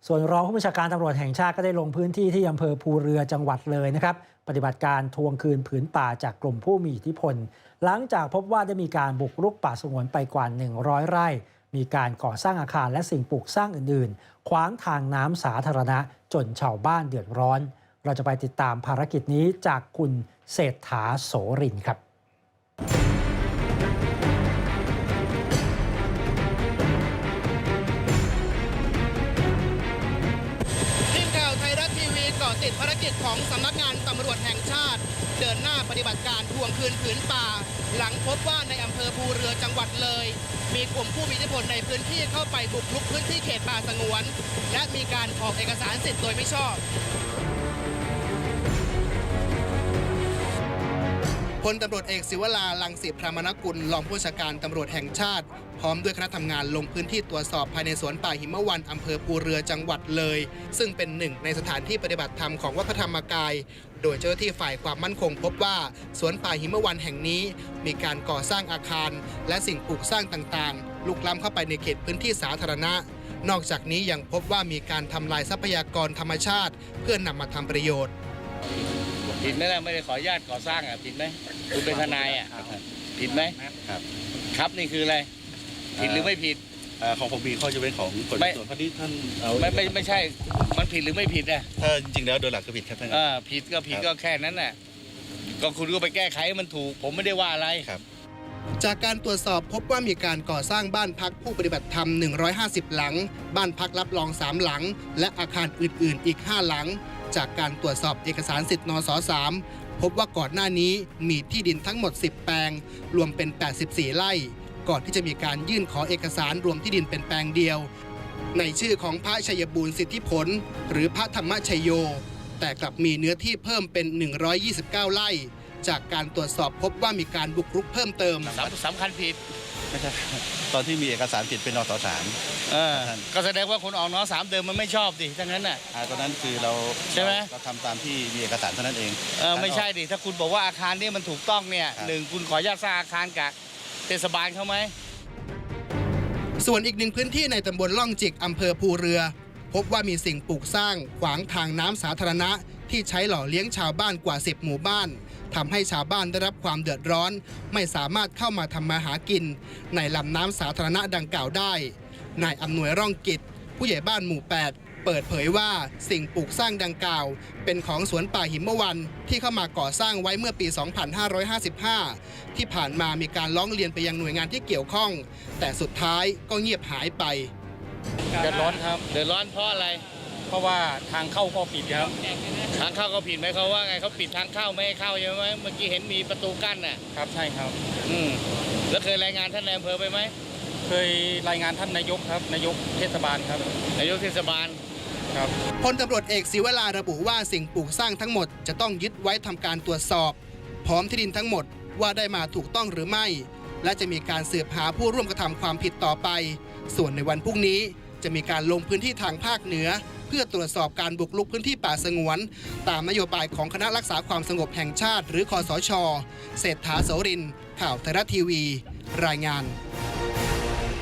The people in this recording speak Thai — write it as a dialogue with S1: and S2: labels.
S1: ส่วนรองผู้บัญชาการตำรวจแห่งชาติก็ได้ลงพื้นที่ที่อำเภอภูเรือจังหวัดเลยนะครับปฏิบัติการทวงคืนผืนป่าจากกลุ่มผู้มีอิทธิพลหลังจากพบว่าได้มีการบุกรุกป่าสงวนไปกว่า100 ไร่มีการก่อสร้างอาคารและสิ่งปลูกสร้างอื่นๆขวางทางน้ำสาธารณะจนชาวบ้านเดือดร้อนเราจะไปติดตามภารกิจนี้จากคุณเศรษฐาโสรินทร์ครับ
S2: ติดภารกิจของสำนักงานตำรวจแห่งชาติเดินหน้าปฏิบัติการทวงคืนผืนป่าหลังพบว่าในอำเภอภูเรือจังหวัดเลยมีกลุ่มผู้มีอิทธิพลในพื้นที่เข้าไปบุกรุกพื้นที่เขตป่าสงวนและมีการออกเอกสารสิทธิ์โดยไม่ชอบพลตำรวจเอกศิวราลังสิพรามนกุลรองผู้บัญชาการตำรวจแห่งชาติพร้อมด้วยคณะทำงานลงพื้นที่ตรวจสอบภายในสวนป่าหิมวันอำเภอภูเรือจังหวัดเลยซึ่งเป็นหนึ่งในสถานที่ปฏิบัติธรรมของวัดพระธรรมกายโดยเจ้าหน้าที่ฝ่ายความมั่นคงพบว่าสวนป่าหิมวันแห่งนี้มีการก่อสร้างอาคารและสิ่งปลูกสร้างต่างๆลุกล้ำเข้าไปในเขตพื้นที่สาธารณะนอกจากนี้ยังพบว่ามีการทำลายทรัพยากรธรรมชาติเพื่อนำมาทำประโยชน์
S3: ผิดไหมล่ะไม่ได้ขออนุญาตก่อสร้างผิดไหมคุณเป็นทนายผิดไหมครับนี่คืออะไรผิดหรือไม่ผิด
S4: ของผมมีข้อยกเว้นของกฎหมายส่วนพอดีท่าน
S3: ไม่ใช่มันผิดหรือไม่ผิด
S4: ถ้าจริงๆแล้วโดยหลักก็ผิดครับท่าน
S3: ผิดก็ผิดก็แค่นั้นน่ะก็คุณก็ไปแก้ไขมันถูกผมไม่ได้ว่าอะไร
S4: ครับ
S2: จากการตรวจสอบพบว่ามีการก่อสร้างบ้านพักผู้ปฏิบัติธรรม150 หลังบ้านพักรับรอง3 หลังและอาคารอื่นๆอีก5 หลังจากการตรวจสอบเอกสารสิทธิ์นส.3 พบว่าก่อนหน้านี้มีที่ดินทั้งหมด10 แปลงรวมเป็น84 ไร่ก่อนที่จะมีการยื่นขอเอกสารรวมที่ดินเป็นแปลงเดียวในชื่อของพระชัยบูรณ์สิทธิผลหรือพระธรรมชัยโยแต่กลับมีเนื้อที่เพิ่มเป็น129 ไร่จากการตรวจสอบพบว่ามีการบุกรุกเพิ่มเติม
S3: สำคัญผิด
S4: ไม่ใช่ตอนที่มีเอกสารผิดเป็นนส.3
S3: ก็แสดงว่าคนออกน.3 เดิมมันไม่ชอบดิทั้งนั้นน่ะ
S4: ตอนนั้นคือเรา
S3: ใช่ไหม
S4: เราทำตามที่มีเอกสารเท่านั้นเอง
S3: ไม่ใช่ดิถ้าคุณบอกว่าอาคารนี้มันถูกต้องเนี่ย1คุณขออนุญาตสร้างอาคารกับเทศบาลเขาไหม
S2: ส่วนอีกหนึ่งพื้นที่ในตำบลล่องจิกอำเภอภูเรือพบว่ามีสิ่งปลูกสร้างขวางทางน้ำสาธารณะที่ใช้หล่อเลี้ยงชาวบ้านกว่า10 หมู่บ้านทำให้ชาวบ้านได้รับความเดือดร้อนไม่สามารถเข้ามาทำมาหากินในลำน้ำสาธารณะดังกล่าวได้นายอำนวยร่องกิจผู้ใหญ่บ้านหมู่ 8เปิดเผยว่าสิ่งปลูกสร้างดังกล่าวเป็นของสวนป่าหิมวันที่เข้ามาก่อสร้างไว้เมื่อปี 2555 ที่ผ่านมามีการร้องเรียนไปยังหน่วยงานที่เกี่ยวข้องแต่สุดท้ายก็เงียบหายไป
S3: เดือดร้อนครับเดือดร้อนเพราะอะไร
S5: เพราะว่าทางเข้าก็ผิดครับ
S3: ทางเข้าก็ผิดไหมเขาว่าไงเขาปิดทางเข้าไม่ให้เข้าใช่ไหมเมื่อกี้เห็นมีประตูกั้นน่ะ
S5: ครับใช่ครับ
S3: แล้วเคยรายงานท่านนายอำเภอไปไหม
S5: เคยรายงานท่านนายกครับนายกเทศบาลครับ
S3: นายกเทศบาล
S5: ครับ
S2: พลตำรวจเอกศิวราระบุว่าสิ่งปลูกสร้างทั้งหมดจะต้องยึดไว้ทำการตรวจสอบพร้อมที่ดินทั้งหมดว่าได้มาถูกต้องหรือไม่และจะมีการสืบหาผู้ร่วมกระทำความผิดต่อไปส่วนในวันพรุ่งนี้จะมีการลงพื้นที่ทางภาคเหนือเพื่อตรวจสอบการบุกรุกพื้นที่ป่าสงวนตามนโยบายของคณะรักษาความสงบแห่งชาติหรือคสช.เศรษฐาโสรินทร์ข่าวไทยรัฐทีวีรายงาน